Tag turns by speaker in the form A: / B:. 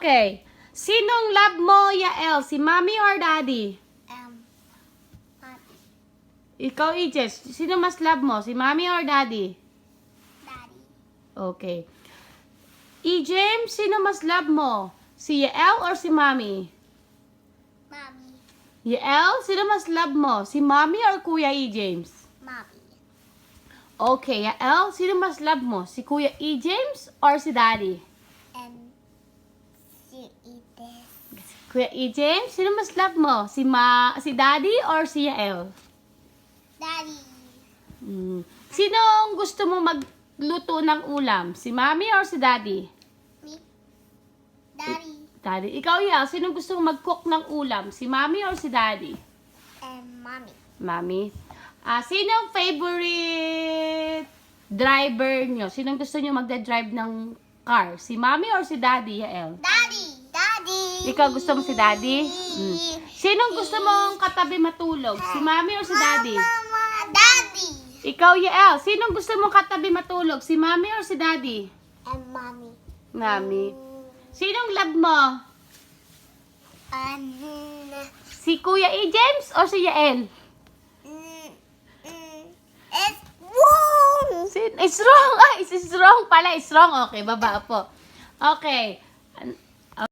A: Okay. Sinong love mo, Yael? Si mommy or daddy?
B: Mommy.
A: Ikaw, Ijes. Sino mas love mo? Si mommy or daddy?
B: Daddy.
A: Okay. James, sino mas love mo? Si Yael or si mommy?
B: Mommy.
A: Yael, sino mas love mo? Si mommy or Kuya James?
B: Mommy.
A: Okay, Yael, sino mas love mo? Si Kuya James or si daddy?
B: And she eat this.
A: Kuya James, sino mas love mo? Si daddy or si Yael?
B: Daddy.
A: Sinong gusto mo magluto ng ulam? Si mommy or si daddy?
B: Me. Daddy.
A: Daddy. Ikaw, Yael, sinong gusto mo mag-cook ng ulam? Si mommy or si daddy?
B: And mommy.
A: Mommy. Sinong favorite driver nyo? Sinong gusto nyo magda-drive ng car? Si mommy or si daddy, Yael?
B: Daddy. Daddy.
A: Ikaw gusto mo si daddy? Sinong gusto mong katabi matulog? Si mommy or si daddy?
B: Mama. Daddy.
A: Ikaw, Yael, sinong gusto mong katabi matulog? Si mommy or si daddy?
B: And mommy.
A: Mommy. Sinong love mo?
B: And
A: Si Kuya James or si Yael?
B: it's wrong.
A: It's wrong. It's wrong pala. It's wrong. Okay, baba po. Okay.